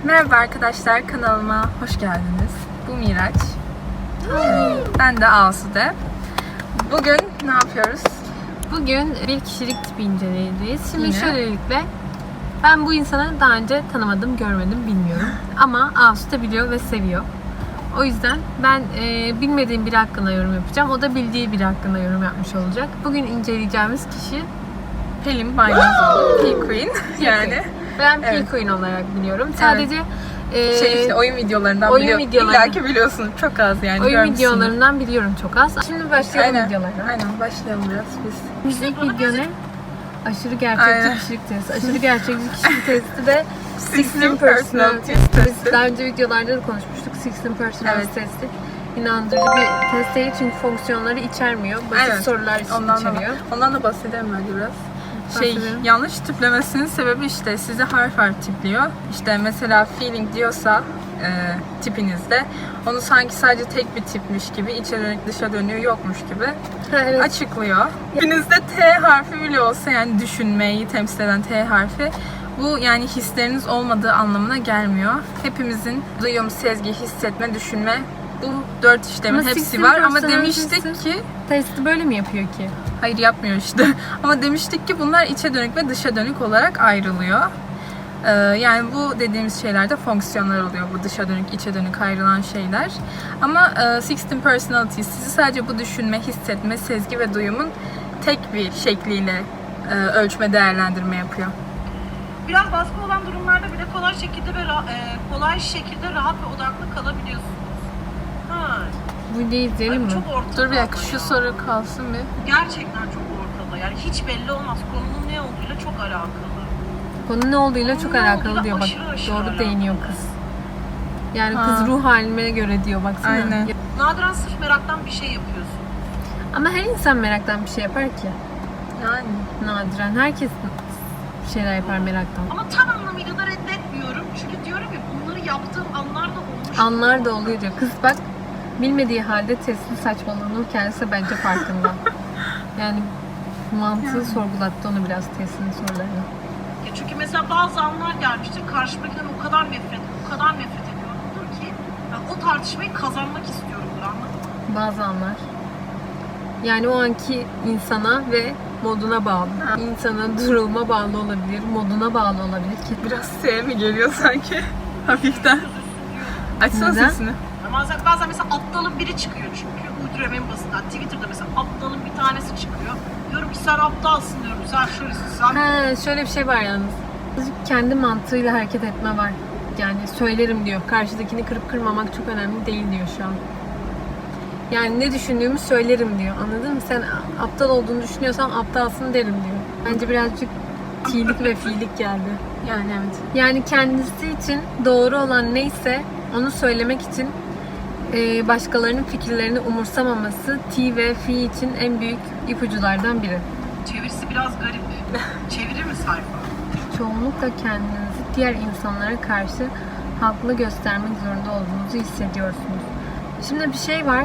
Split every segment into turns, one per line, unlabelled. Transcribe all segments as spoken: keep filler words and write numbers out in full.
Merhaba arkadaşlar, kanalıma hoş geldiniz. Bu Miraç. Ben de Asude. Bugün ne yapıyoruz?
Bugün bir kişilik tipi inceleyeceğiz. Şimdi
Yine.
şöylelikle ben bu insanı daha önce tanımadım, görmedim, bilmiyorum. Ama Asude biliyor ve seviyor. O yüzden ben e, bilmediğim biri hakkında yorum yapacağım. O da bildiği biri hakkında yorum yapmış olacak. Bugün inceleyeceğimiz kişi
Pelin Baynazoğlu, P Queen yani.
ben P
Evet.
Queen olarak biliyorum. Sadece e,
Şey işte oyun videolarından
oyun
biliyorum.
videolarından.
İlla ki biliyorsun, çok az yani.
oyun
görmüşsündür.
videolarından biliyorum çok az. Şimdi başlayalım
Aynen,
videolara.
aynen başlayalım biraz biz.
İlk video ne? Aşırı gerçekçi
Aynen.
kişilik testi. Aşırı gerçekçi kişilik testi de
sixteen
Personality
Personality
testi.
testi.
Daha önce videolarda da konuşmuştuk. sixteen Personality
Evet.
testi. İnandırıcı bir test değil çünkü fonksiyonları içermiyor. Basit
Aynen.
sorular
Ondan
içeriyor.
da, ondan da bahsedelim bence biraz. Şey,
Bahsedelim.
yanlış tiplemesinin sebebi işte sizi harf harf tipliyor. İşte mesela feeling diyorsa e, tipinizde onu sanki sadece tek bir tipmiş gibi, içe dönük dışa dönüyor yokmuş gibi
Ha, evet.
açıklıyor. Tipinizde T harfi bile olsa, yani düşünmeyi temsil eden T harfi, bu yani hisleriniz olmadığı anlamına gelmiyor. Hepimizin duyum, sezgi, hissetme, düşünme, bu dört işlemin
Ama
hepsi
sixteen
var ama
personality'si
demiştik ki
Testi böyle mi yapıyor ki?
hayır, yapmıyor işte. Ama demiştik ki bunlar içe dönük ve dışa dönük olarak ayrılıyor. Ee, yani bu dediğimiz şeyler de fonksiyonlar oluyor. Bu dışa dönük, içe dönük ayrılan şeyler. Ama e, sixteen Personality sizi sadece bu düşünme, hissetme, sezgi ve duyumun tek bir şekliyle e, ölçme, değerlendirme yapıyor.
Biraz baskı olan durumlarda bile kolay şekilde ve ra- e, kolay şekilde rahat ve odaklı kalabiliyorsunuz. Ha,
Bu videoyu izleyelim
ay,
mi?
çok ortada.
Dur bir dakika,
ama
şu
ya.
soru kalsın bir.
Gerçekten çok ortada. Yani hiç belli olmaz. Konunun ne olduğuyla çok alakalı.
Konu ne olduğuyla çok
Konu ne
alakalı
olduğuyla
diyor. Bak
aşırı aşırı
doğru
alakalı.
değiniyor kız. Yani
Ha.
kız ruh halime göre diyor baksana.
Aynen.
Nadiren sırf meraktan bir şey yapıyorsun.
Ama her insan meraktan bir şey yapar ki.
Yani
Nadiren. Herkes bir şeyler yapar meraktan.
Ama tam anlamıyla da reddetmiyorum. Çünkü diyorum ya, bunları yaptığım anlar da olmuş.
Anlar da oluyor diyor. Kız bak bilmediği halde testin saçmalığının kendisi bence farkında. Yani mantığı sorgulattı onu biraz testin sorularını.
Ya çünkü mesela bazı anlar gelmiştir. Karşımdakinden o kadar nefret, o kadar nefret ediyorumdur ki ben o tartışmayı kazanmak istiyorumdur, anladın mı?
Bazı anlar. Yani o anki insana ve moduna bağlı.
Ha.
İnsanın duruma bağlı olabilir, moduna bağlı olabilir ki.
biraz S mi geliyor sanki? Hafiften. Açsana
Neden?
sesini.
Ya Bazen, bazen mesela aptalın biri çıkıyor çünkü. Uyduruyorum en basitinden. Twitter'da mesela aptalın bir tanesi çıkıyor. Diyorum ki sen aptalsın diyorum. Sen şöylesin, sen...
Ha, şöyle bir şey var yalnız. Kendi mantığıyla hareket etme var. Yani söylerim diyor. Karşıdakini kırıp kırmamak çok önemli değil diyor şu an. Yani ne düşündüğümü söylerim diyor. Anladın mı? Sen aptal olduğunu düşünüyorsan aptalsın derim diyor. Bence birazcık tilik ve fiilik geldi.
Yani evet.
Yani kendisi için doğru olan neyse onu söylemek için e, başkalarının fikirlerini umursamaması T ve F için en büyük ipuculardan biri.
Çevirisi biraz garip. Çevirir mi sayfa?
Çoğunlukla kendinizi diğer insanlara karşı haklı göstermek zorunda olduğunuzu hissediyorsunuz. Şimdi bir şey var.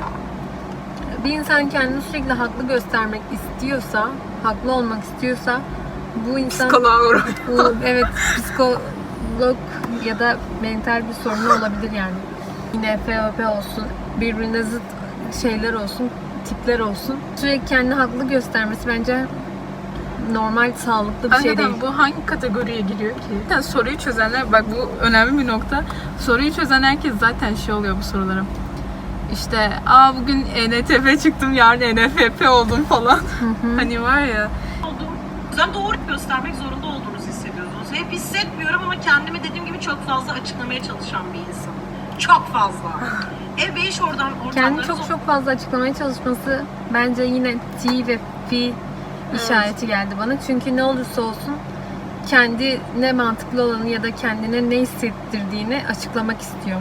Bir insan kendini sürekli haklı göstermek istiyorsa, haklı olmak istiyorsa bu insan
Psikoloğa uğra.
bu, evet psikolog ya da mental bir sorunu olabilir yani. Yine F O P olsun, birbirine zıt şeyler olsun, tipler olsun. Sürekli kendini haklı göstermesi bence normal, sağlıklı bir şey
Hakikaten
değil.
bu hangi kategoriye giriyor ki? Zaten soruyu çözenler, bak bu önemli bir nokta. Soruyu çözen herkes zaten şey oluyor bu sorulara. İşte aa bugün E N T P çıktım, yarın E N F P oldum falan. Hani var ya.
Olduğum, sen doğru göstermek zorunda olduğunuzu hissediyorsunuz. Hep hissetmiyorum ama kendimi dediğim gibi çok fazla açıklamaya çalışan bir insan. Çok fazla. Ev ve iş oradan
Kendi
ortamlarınız...
çok çok fazla açıklamaya çalışması bence yine T ve F işareti geldi bana. Çünkü ne olursa olsun kendine mantıklı olanı ya da kendine ne hissettirdiğini açıklamak istiyor.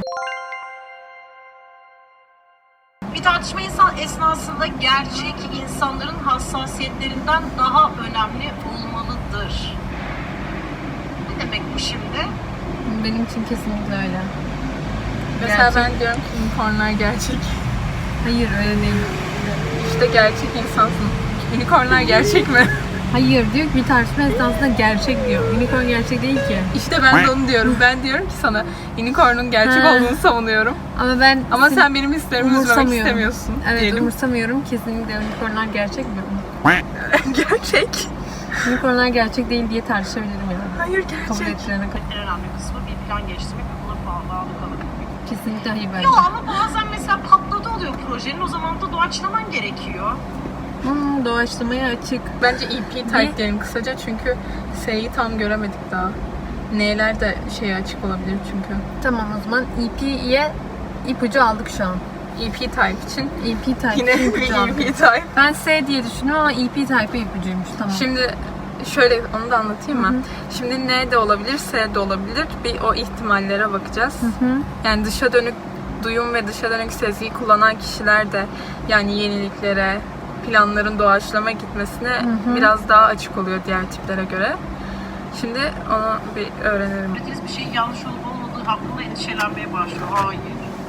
Bir tartışma insan esnasında gerçek insanların hassasiyetlerinden daha önemli olmalıdır. Ne demek bu şimdi?
Benim için kesinlikle öyle.
Mesela
Gerçek.
ben diyorum ki unicornlar gerçek.
Hayır öyle değil.
İşte gerçek insansın. Unicornlar gerçek mi?
Hayır diyor ki bir tartışma esnasında gerçek diyor. Unicorn gerçek değil ki.
İşte ben de onu diyorum. Ben diyorum ki sana unicorn'un gerçek
Ha.
olduğunu savunuyorum.
Ama ben
Ama sen benim hislerimi üzmemek
umursamıyorum.
istemiyorsun.
Evet
diyelim.
umursamıyorum. Kesinlikle unicornlar gerçek mi?
Gerçek.
Unicornlar gerçek değil diye tartışabilirim yani.
Hayır
Kabul
gerçek.
ettirene kadar.
En önemli kısmı bir plan geliştirmek ve buna bağlı kalabilmek.
Kesinlikle hayır bence.
Yo ama bazen mesela patladı oluyor projenin, o zaman da doğaçlaman gerekiyor.
Hmm, doğaçlamaya açık.
Bence E P type
Ne?
diyelim kısaca çünkü S'yi tam göremedik daha. N'ler de şeye açık olabilir çünkü.
Tamam o zaman E P'ye ipucu aldık şu an.
E P type için
E P type
yine bir
ipucu
E
aldık.
P type.
Ben S diye düşündüm ama E P type ipucuymuş. Tamam.
Şimdi şöyle onu da anlatayım mı?
Hı hı.
Şimdi N de olabilir, S de olabilir. Bir o ihtimallere bakacağız.
Hı hı.
Yani dışa dönük duyum ve dışa dönük sezgiyi kullanan kişiler de yani yeniliklere, planların doğaçlama gitmesine
Hı hı.
biraz daha açık oluyor diğer tiplere göre. Şimdi onu bir öğrenelim.
Söylediğiniz bir şeyin yanlış olup olmadığı hakkında endişelenmeye başlıyor. Hayır.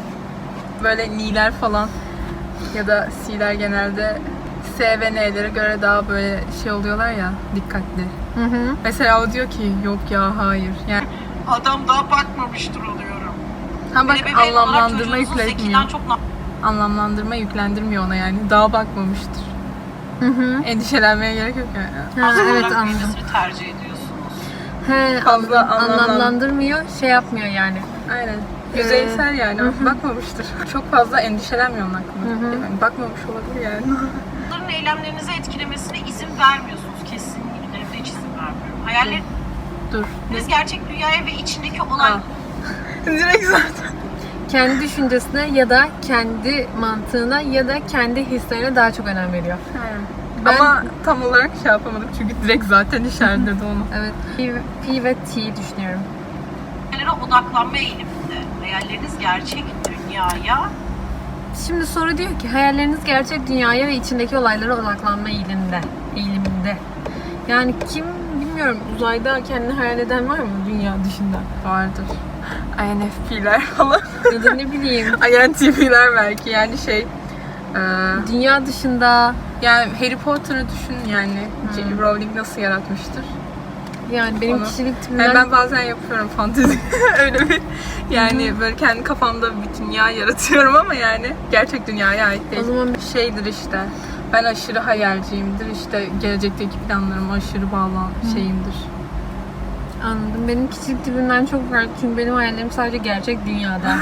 Böyle N'ler falan ya da C'ler genelde S ve N'lere göre daha böyle şey oluyorlar ya, dikkatli.
Hı hı.
Mesela o diyor ki yok ya hayır. Yani
Adam daha bakmamıştır oluyorum.
ha bak
Bir ebeveyn olarak
anlamlandırma
çocuğunuzun
yükletmiyor.
zekiden çok na-
Anlamlandırma yüklendirmiyor ona yani. Daha bakmamıştır.
Hı hı.
Endişelenmeye gerek yok yani.
Ha,
az
evet
olarak
anladım.
büyümesini tercih ediyorsunuz.
He,
Fazla
anlam-
anlamlan-
anlamlandırmıyor, şey yapmıyor yani.
Aynen. Yüzeysel yani.
Hı hı.
Bakmamıştır. Çok fazla endişelenmiyor onun hakkında.
Hı hı.
Yani bakmamış olabilir yani.
Bunların eylemlerinizi etkilemesine izin vermiyorsunuz. Kesinlikle benim de hiç izin vermiyorum. Hayalleriniz
Dur.
gerçek dünyaya ve içindeki olay
Aa. Direkt zaten.
Kendi düşüncesine ya da kendi mantığına ya da kendi hislerine daha çok önem veriyor. Ben-
Ama tam olarak şey yapamadık çünkü direkt zaten işaretledi onu.
Evet. P, P ve T düşünüyorum.
hayallere odaklanma eğiliminde. Hayalleriniz gerçek dünyaya
Şimdi soru diyor ki hayalleriniz gerçek dünyaya ve içindeki olaylara odaklanma eğiliminde. Eğiliminde. Yani kim bilmiyorum uzayda kendini hayal eden var mı dünya dışında?
Vardır. I N F P'ler falan.
Ya da ne bileyim
I N T P'ler belki yani şey. e,
dünya dışında
yani Harry Potter'ı düşün yani. J K. Rowling nasıl yaratmıştır?
yani benim
Onu-
kişilik tipimden
Yani ben bazen yapıyorum fantezi. Öyle bir yani böyle kendi kafamda bir dünya yaratıyorum ama yani gerçek dünyaya ait değil.
O zaman-
Şeydir işte. Ben aşırı hayalciyimdir. İşte gelecekteki planlarıma aşırı bağlan şeyimdir.
anladım. Benim kişilik tipimden çok farklı çünkü benim hayallerim sadece gerçek dünyada.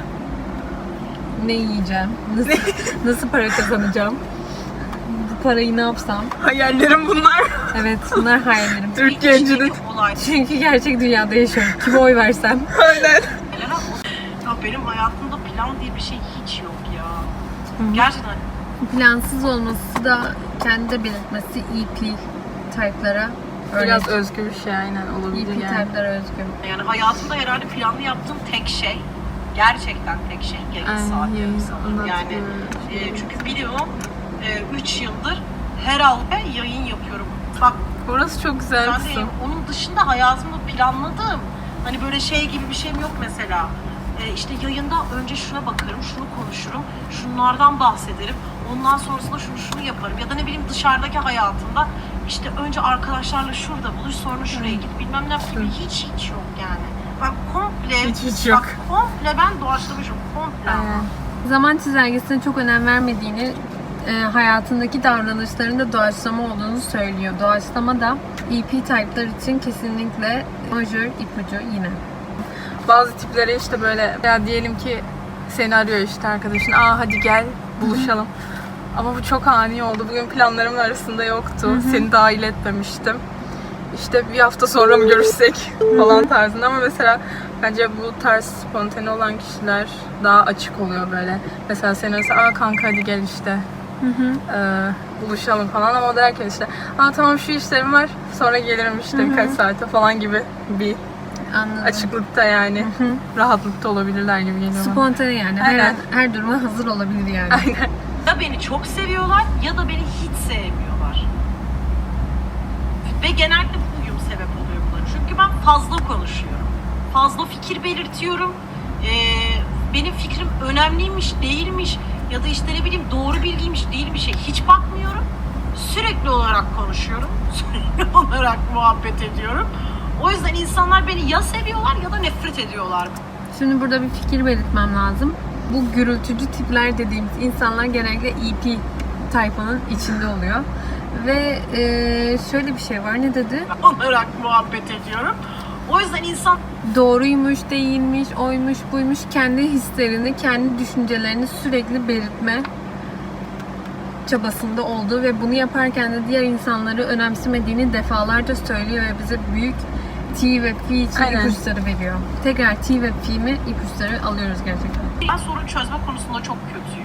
Ne yiyeceğim? Nasıl, nasıl para kazanacağım? Bu parayı ne yapsam?
Hayallerim bunlar.
Evet bunlar hayallerim.
Türk
içindeki
gencinin.
olay.
Çünkü gerçek dünyada yaşıyorum. Kime oy versem?
Aynen.
Ya benim hayatımda plan diye bir şey hiç yok ya. Gerçekten
Plansız olması da kendi belirtmesi E P type'lara
Biraz
örnek.
özgür bir şey aynen
E
olabilir
P
yani.
type'lara özgü.
yani hayatımda herhalde planlı yaptığım tek şey, gerçekten tek şey yayın
Aynen,
saatleri
yayın,
sanırım.
ondan
Yani
sonra-
e, çünkü biliyorum üç yıldır her hafta yayın yapıyorum. Bak
Orası çok güzel
ben
bir
de
kısım.
onun dışında hayatımda planladığım hani böyle şey gibi bir şeyim yok mesela. E, işte yayında önce şuna bakarım, şunu konuşurum, şunlardan bahsederim. Ondan sonrasında şunu şunu yaparım. Ya da ne bileyim dışarıdaki hayatımda işte önce arkadaşlarla şurada buluş, sonra şuraya git. Bilmem ne gibi hiç hiç yok yani. Ben komple,
Hiç hiç yok.
bak komple ben doğaçlamışım. Komple.
Aynen.
Zaman çizelgesine çok önem vermediğini, e, hayatındaki davranışlarında doğaçlama olduğunu söylüyor. Doğaçlama da E P type'lar için kesinlikle majör ipucu yine.
Bazı tiplere işte böyle ya diyelim ki seni arıyor işte arkadaşın. Aa hadi gel buluşalım. Ama bu çok ani oldu. Bugün planlarımın arasında yoktu. Seni dahil etmemiştim. İşte bir hafta sonra mı görüşsek falan tarzında ama mesela bence bu tarz spontane olan kişiler daha açık oluyor böyle. Mesela sen arası aa kanka hadi gel işte ee, buluşalım falan ama o derken işte aa tamam şu işlerim var sonra gelirim işte birkaç saate falan gibi bir
Anladım.
açıklıkta yani rahatlıkta olabilirler gibi geliyor bana.
Spontane yani. Her,
Aynen.
an, her duruma hazır olabilir yani.
Aynen.
Ya beni çok seviyorlar ya da beni hiç sevmiyorlar. Ve genellikle bu uyum sebep oluyor bunların. Çünkü ben fazla konuşuyorum. Fazla fikir belirtiyorum. Ee, benim fikrim önemliymiş, değilmiş ya da işte ne bileyim doğru bilgiymiş, değil bir şey hiç bakmıyorum. Sürekli olarak konuşuyorum. Sürekli olarak muhabbet ediyorum. O yüzden insanlar beni ya seviyorlar ya da nefret ediyorlar.
Şimdi burada bir fikir belirtmem lazım. Bu gürültücü tipler dediğimiz insanlar genellikle E P tayfanın içinde oluyor. Ve e, şöyle bir şey var, ne dedi?
Olarak muhabbet ediyorum. O yüzden insan
Doğruymuş, değilmiş, oymuş, buymuş, kendi hislerini, kendi düşüncelerini sürekli belirtme çabasında olduğu ve bunu yaparken de diğer insanları önemsemediğini defalarca söylüyor ve bize büyük T ve F için
Aynen.
ipuçları veriyor. Tekrar T ve F'mi ipuçları alıyoruz gerçekten.
ben sorun çözme konusunda çok kötüyüm.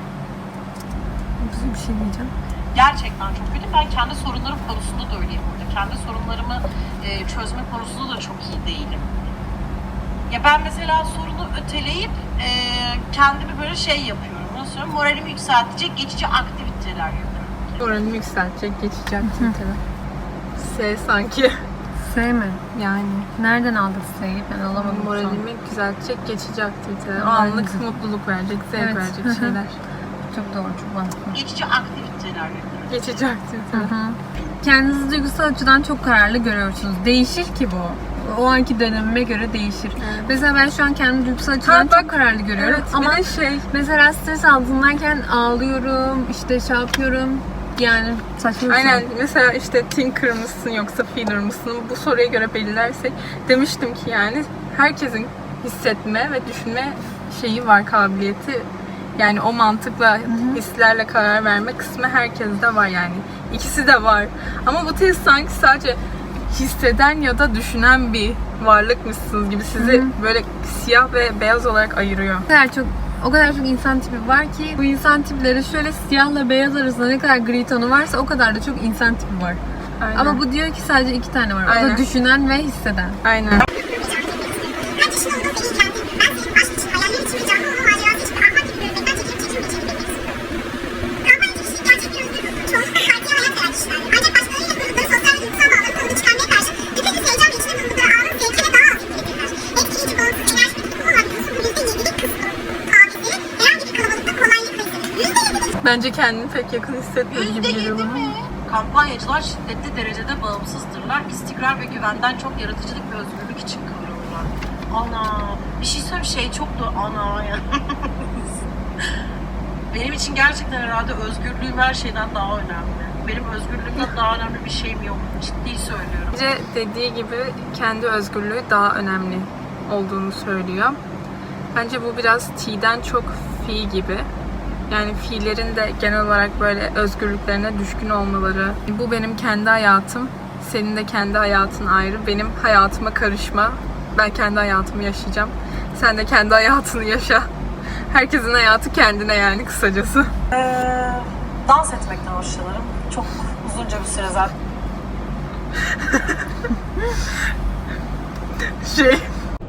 Bir şey diyeceğim.
Gerçekten çok kötü. Ben kendi sorunlarım konusunda da öyleyim burada. Kendi sorunlarımı e, çözme konusunda da çok iyi değilim. Ya ben mesela sorunu öteleyip e, kendimi böyle şey yapıyorum. Nasıl söyleyeyim? Moralimi yükseltecek geçici aktiviteler yapıyorum.
Moralimi yükseltecek, geçici aktiviteler. S sanki.
S mi?
Yani
Nereden aldık S'yi? Ben alamadım. şu an.
moralimi düzeltecek geçici aktiviteler. O
Aynen.
anlık mutluluk verecek, zevk
Evet.
verecek
Hı hı.
şeyler.
Çok doğru, çok mantıklı.
Geçici aktiviteler yapıyorum.
Geçici aktiviteler.
Kendinizi duygusal açıdan çok kararlı görüyorsunuz. Değişir ki bu. O anki dönemime göre değişir.
Evet.
Mesela ben şu an kendimi duygusal açıdan
Ha, bak,
çok kararlı görüyorum.
Evet,
ama
bir de şey,
mesela stres altındayken ağlıyorum, işte şey yapıyorum. Yani saçma bir
aynen
şey.
mesela işte thinker mısın yoksa feeler mısın, bu soruya göre belirlersek demiştim ki yani herkesin hissetme ve düşünme şeyi var, kabiliyeti. Yani o mantıkla, hislerle karar verme kısmı herkeste var yani. İkisi de var. Ama bu test sanki sadece hisseden ya da düşünen bir varlıkmışsınız gibi sizi böyle siyah ve beyaz olarak ayırıyor.
O kadar çok o kadar çok insan tipi var ki bu insan tipleri şöyle siyahla beyaz arasında ne kadar gri tonu varsa o kadar da çok insan tipi var.
Aynen.
Ama bu diyor ki sadece iki tane var. O da
Aynen.
düşünen ve hisseden.
Aynen. Bence kendini pek yakın hissetmiyor gibi
Yüzde
geliyor
yedi
bana.
mi? Kampanyacılar şiddetli derecede bağımsızdırlar. İstikrar ve güvenden çok yaratıcılık ve özgürlük için kıvrılırlar. Ana, bir şey söyleyeyim, şey çok da ana ya. Benim için gerçekten herhalde özgürlüğüm her şeyden daha önemli. Benim özgürlüğümden daha önemli bir şeyim yok. Ciddi söylüyorum.
Bence dediği gibi kendi özgürlüğü daha önemli olduğunu söylüyor. Bence bu biraz T'den çok F gibi. Yani fiillerin de genel olarak böyle özgürlüklerine düşkün olmaları. Bu benim kendi hayatım, senin de kendi hayatın ayrı. Benim hayatıma karışma. Ben kendi hayatımı yaşayacağım. Sen de kendi hayatını yaşa. Herkesin hayatı kendine yani kısacası.
Ee, dans etmekten hoşlanırım. Çok uzunca bir süre zaten.
Şey...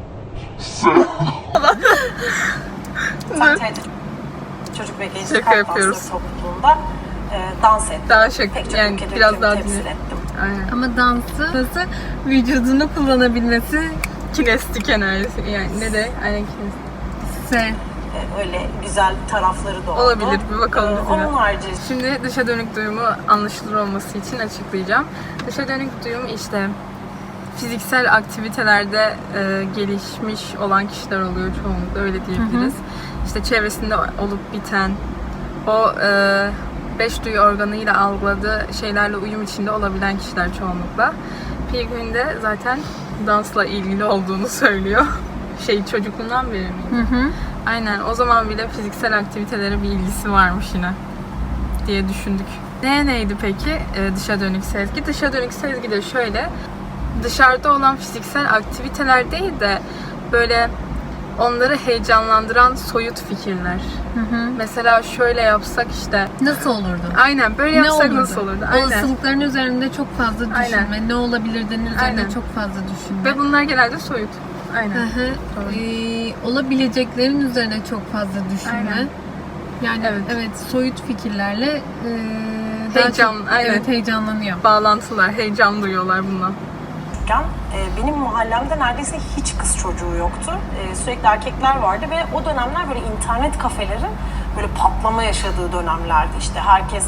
Zaten çocuk ve gençlik
Şaka
halk
yapıyoruz.
dansları topluluğunda e, dans ettim.
Daha şaka,
Pek çok
yani
ülkede
biraz
ülkemi
daha
temsil
dinle.
ettim.
Aynen.
Ama dansı nasıl vücudunu kullanabilmesi
Kinestik enerjisi yani ne de aynen kinestik.
S.
Ee, öyle güzel tarafları da oldu.
Olabilir, bir bakalım
Ee,
biz yine.
Onun harici
Şimdi dışa dönük duyumu anlaşılır olması için açıklayacağım. Dışa dönük duyum işte fiziksel aktivitelerde e, gelişmiş olan kişiler oluyor çoğunlukla, öyle diyebiliriz. İşte çevresinde olup biten, o e, beş duyu organıyla algıladığı şeylerle uyum içinde olabilen kişiler çoğunlukla. Pilgrim de zaten dansla ilgili olduğunu söylüyor. Şey, çocukluğundan beri miydi?
Hı hı.
Aynen, o zaman bile fiziksel aktivitelere bir ilgisi varmış yine diye düşündük. Ne neydi peki ee, dışa dönük sezgi? Dışa dönük sezgi de şöyle, dışarıda olan fiziksel aktiviteler değil de böyle onları heyecanlandıran soyut fikirler.
Hı hı.
Mesela şöyle yapsak işte,
Nasıl olurdu?
aynen böyle
Ne
yapsak
olurdu?
nasıl olurdu? Aynen.
Olasılıkların üzerinde çok fazla düşünme.
Aynen.
Ne olabilirden üzerinde
Aynen.
çok fazla düşünme.
Ve bunlar genelde soyut.
Hı
Aynen.
hı.
Doğru.
Ee, olabileceklerin üzerine çok fazla düşünme.
Aynen.
Yani evet.
Evet.
soyut fikirlerle e, daha
Heyecan,
çok,
aynen.
evet, heyecanlanıyor.
Bağlantılar, heyecan duyuyorlar bundan.
e, benim mahallemde neredeyse hiç kız çocuğu yoktu. E, sürekli erkekler vardı ve o dönemler böyle internet kafelerin böyle patlama yaşadığı dönemlerdi. İşte herkes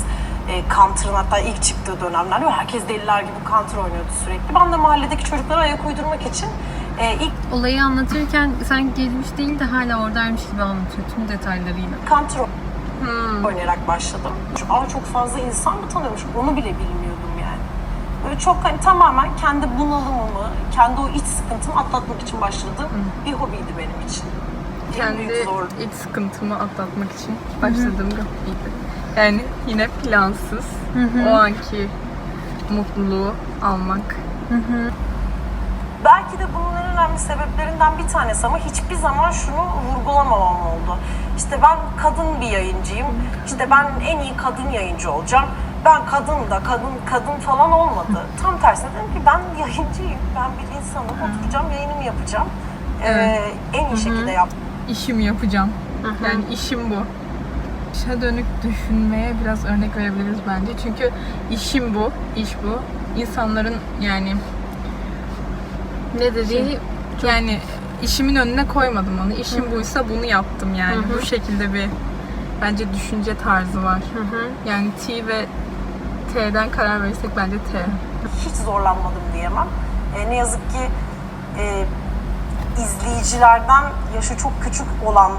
E, Counter'ın hatta ilk çıktığı dönemlerde ve herkes deliler gibi Counter oynuyordu sürekli. Ben de mahalledeki çocuklara ayak uydurmak için e, ilk
Olayı anlatırken sen gelmiş değil de hala oradaymış gibi anlatıyor tüm detaylarıyla.
Counter
Hmm.
oynayarak başladım. Aa, çok fazla insan mı tanıyormuş? Onu bile bilmiyordum yani. Böyle çok hani tamamen kendi bunalımımı, kendi o iç sıkıntımı atlatmak için başladığım bir hobiydi benim için. En
Kendi
büyük zorluk.
iç sıkıntımı atlatmak için başladığım bir hobiydi. Yani yine plansız, o anki mutluluğu almak.
Belki de bunun en önemli sebeplerinden bir tanesi ama hiçbir zaman şunu vurgulamamam oldu. İşte ben kadın bir yayıncıyım, işte ben en iyi kadın yayıncı olacağım. Ben kadın da kadın kadın falan olmadı. Tam tersine dedim ki ben yayıncıyım, ben bir insanım, oturacağım yayınımı yapacağım. Ee, en iyi şekilde yap.
İşimi yapacağım. Yani işim bu. İşe dönük düşünmeye biraz örnek verebiliriz bence. Çünkü işim bu, iş bu. İnsanların yani
Ne dediği
yani işimin önüne koymadım onu. İşim buysa bunu yaptım yani. Bu şekilde bir bence düşünce tarzı var. Yani T ve T'den karar verirsek bence T.
Hiç zorlanmadım diyemem. E, ne yazık ki e, izleyicilerden yaşı çok küçük olan,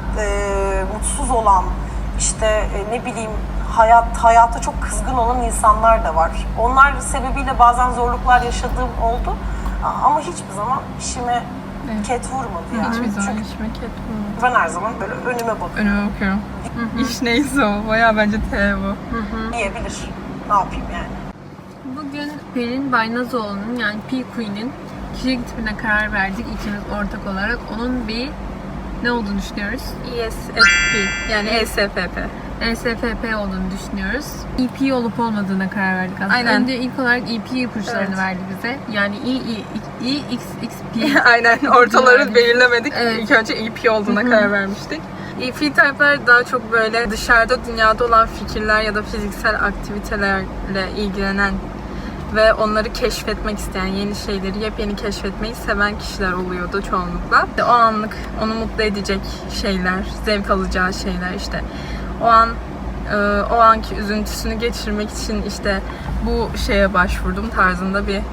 e, mutsuz olan, işte e, ne bileyim hayat hayata çok kızgın olan insanlar da var. Onlar sebebiyle bazen zorluklar yaşadığım oldu. A- Ama hiçbir zaman işime
Evet.
ket vurmadı yani.
Hiçbir zaman
Çünkü
işime ket vurmadı.
ben her zaman böyle önüme bakıyorum.
Önüme bakıyorum. İş neyse o. Bayağı bence T bu.
Diyebilir. Ne yapayım yani?
Bugün Pelin Baynazoğlu'nun yani P Queen'in kişilik tipine karar verdik ikimiz ortak olarak. Onun bir ne olduğunu düşünüyoruz?
E S F P yani E S F P.
E S F P olduğunu düşünüyoruz. E P olup olmadığına karar verdik aslında.
Aynen.
Önce ilk olarak E P ipuçlarını
Evet.
verdi bize. Yani E, E, E, X, X, P.
Aynen ortaları
Yani.
belirlemedik.
Evet.
İlk önce E P olduğuna karar vermiştik. E P type'lar daha çok böyle dışarıda dünyada olan fikirler ya da fiziksel aktivitelerle ilgilenen ve onları keşfetmek isteyen, yeni şeyleri yepyeni keşfetmeyi seven kişiler oluyordu çoğunlukla. O anlık onu mutlu edecek şeyler, zevk alacağı şeyler işte. O an e, o anki üzüntüsünü geçirmek için işte bu şeye başvurdum tarzında bir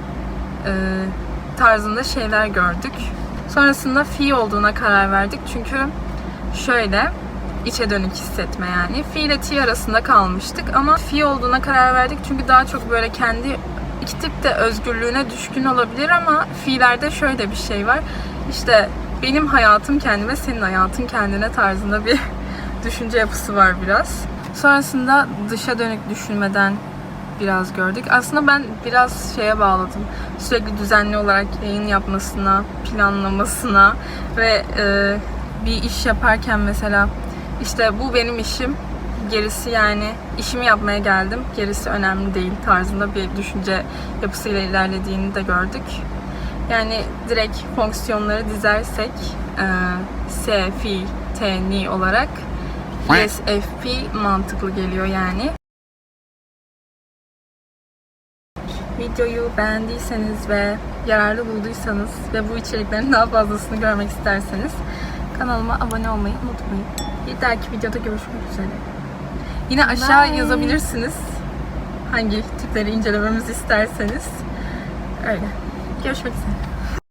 e, tarzında şeyler gördük. Sonrasında fi olduğuna karar verdik çünkü şöyle içe dönük hissetme yani. Fi ile T arasında kalmıştık ama fi olduğuna karar verdik çünkü daha çok böyle kendi iki tip de özgürlüğüne düşkün olabilir ama fi'lerde şöyle bir şey var. İşte benim hayatım kendime, senin hayatın kendine tarzında bir düşünce yapısı var biraz. Sonrasında dışa dönük düşünmeden biraz gördük. Aslında ben biraz şeye bağladım. Sürekli düzenli olarak yayın yapmasına, planlamasına ve e, bir iş yaparken mesela işte bu benim işim, gerisi yani işimi yapmaya geldim, gerisi önemli değil tarzında bir düşünce yapısıyla ilerlediğini de gördük. Yani direkt fonksiyonları dizersek e, S, Fi, T, Ni olarak E S F P mantıklı geliyor yani. Videoyu beğendiyseniz ve yararlı bulduysanız ve bu içeriklerin daha fazlasını görmek isterseniz kanalıma abone olmayı unutmayın. Bir dahaki videoda görüşmek üzere. Yine aşağı
Bye.
yazabilirsiniz hangi tipleri incelememizi isterseniz. Öyle. Görüşmek üzere.